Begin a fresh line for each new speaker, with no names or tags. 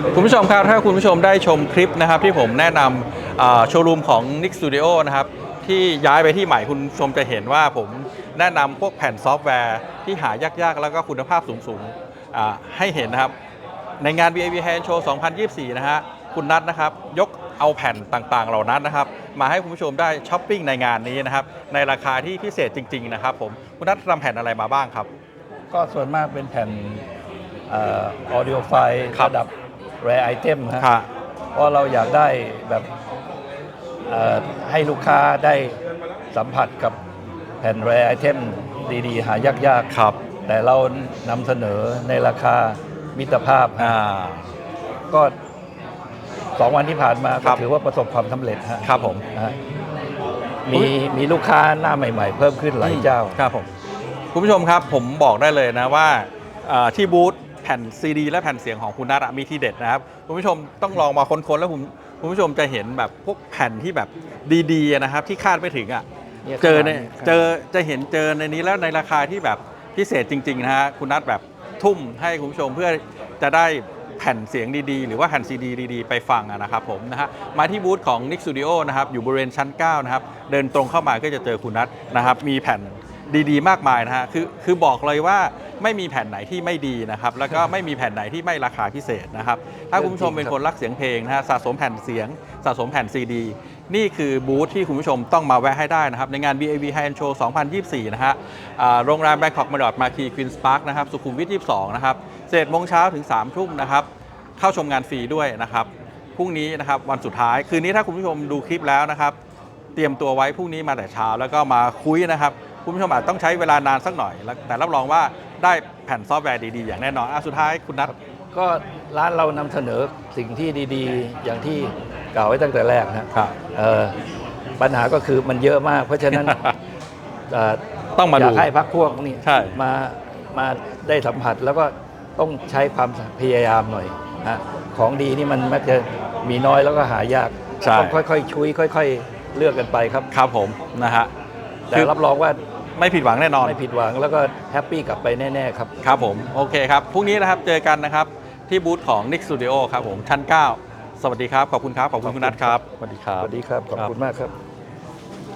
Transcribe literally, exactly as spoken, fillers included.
คุณผู้ชมครับถ้าคุณผู้ชมได้ชมคลิปนะครับที่ผมแนะนำโชว์รูมของ นิก Studio นะครับที่ย้ายไปที่ใหม่คุณผู้ชมจะเห็นว่าผมแนะนำพวกแผ่นซอฟต์แวร์ที่หายากๆแล้วก็คุณภาพสูงๆให้เห็นนะครับในงาน วี ไอ วี Hand Show สองพันยี่สิบสี่นะฮะคุณนัทนะครับยกเอาแผ่นต่างๆเหล่านั้นนะครับมาให้คุณผู้ชมได้ช้อปปิ้งในงานนี้นะครับในราคาที่พิเศษจริงๆนะครับผมคุณนัททำแผ่นอะไรมาบ้างครับ
ก็ส่วนมากเป็นแผ่นออดิโอไฟล์ระดับ Rare Item ฮะเพราะเราอยากได้แบบให้ลูกค้าได้สัมผัสกับแผ่น Rare Item ดีๆหายากๆครับแต่เรานำเสนอในราคามิตรภาพก็สองวันที่ผ่านมาก็ถือว่าประสบความสำเร็จ
ครับผม
มีมีลูกค้าหน้าใหม่ๆเพิ่มขึ้นหลายเจ้า
ครับผมคุณผู้ชมครับผมบอกได้เลยนะว่าที่บูธแผ่นซีดีและแผ่นเสียงของคุณนัทมีทีเด็ดนะครับคุณผู้ชมต้องลองมาค้นๆแล้วคุณคุณผู้ชมจะเห็นแบบพวกแผ่นที่แบบดีๆนะครับที่คาดไม่ถึงอ่ะเจอเนี่ยเจอจะเห็นเจอในนี้แล้วในราคาที่แบบพิเศษจริงๆนะฮะคุณนัทแบบทุ่มให้คุณผู้ชมเพื่อจะได้แผ่นเสียงดีๆหรือว่าแผ่นซีดีดีๆไปฟังนะครับผมนะฮะมาที่บูธของ นิก Studio นะครับอยู่บริเวณชั้นเก้านะครับเดินตรงเข้ามาก็จะเจอคุณนัทนะครับมีแผ่นดีๆมากมายนะฮะคือคือบอกเลยว่าไม่มีแผ่นไหนที่ไม่ดีนะครับแล้วก็ไม่มีแผ่นไหนที่ไม่ราคาพิเศษนะครับถ้าคุณผู้ชมเป็นคนรักเสียงเพลงนะฮะสะสมแผ่นเสียงสะสมแผ่นซีดีนี่คือบูธที่คุณผู้ชมต้องมาแวะให้ได้นะครับในงาน วี ไอ วี Hand Show สองพันยี่สิบสี่นะฮะโรงแรม Bangkok Marriott Marquis Queen's Park นะครับสุขุมวิทยี่สิบสองนะครับสิบเอ็ดโมงเช้าถึงสามทุ่มนะครับเข้าชมงานฟรีด้วยนะครับพรุ่งนี้นะครับวันสุดท้ายคืนนี้ถ้าคุณผู้ชมดูคลิปแล้วนะครับเตรียมตัวไว้พรุ่งนี้มาแต่เช้าแล้วก็มาคุยนะครับคุณผู้ชมอาจต้องใช้เวลานานสักหน่อยแต่รับรองว่าได้แผ่นซอฟต์แวร์ดีๆอย่างแน่นอนอ่ะสุดท้ายคุณนัท
ก็ร้านเรานำเสนอสิ่งที่ดีๆอย่างที่กล่าวไว้ตั้งแต่แรกนะครับปัญหาก็คือมันเยอะมากเพราะฉะนั้น
ต้องมาดู
อยากให้พักพวกนี่มามาได้สัมผัสแล้วก็ต้องใช้ความพยายามหน่อยนะของดีนี่มันมักจะมีน้อยแล้วก็หายากต้องค่อยๆชุยค่อยๆเลือกกันไปครับ
ครับผมนะฮะ
แต่รับรองว่า
ไม่ผิดหวังแน่นอน
ไม่ผิดหวังแล้วก็แฮปปี้กลับไปแน่ๆครับ
ครับผมโอเคครับพรุ่งนี้นะครับเจอกันนะครับที่บูธของ นิก Studio ครับผมชั้นเก้าสวัสดีครับขอบคุณครับขอบคุณคุณนัทครับ
สวัสดีครับสวัสดีครับขอบคุณมากครับ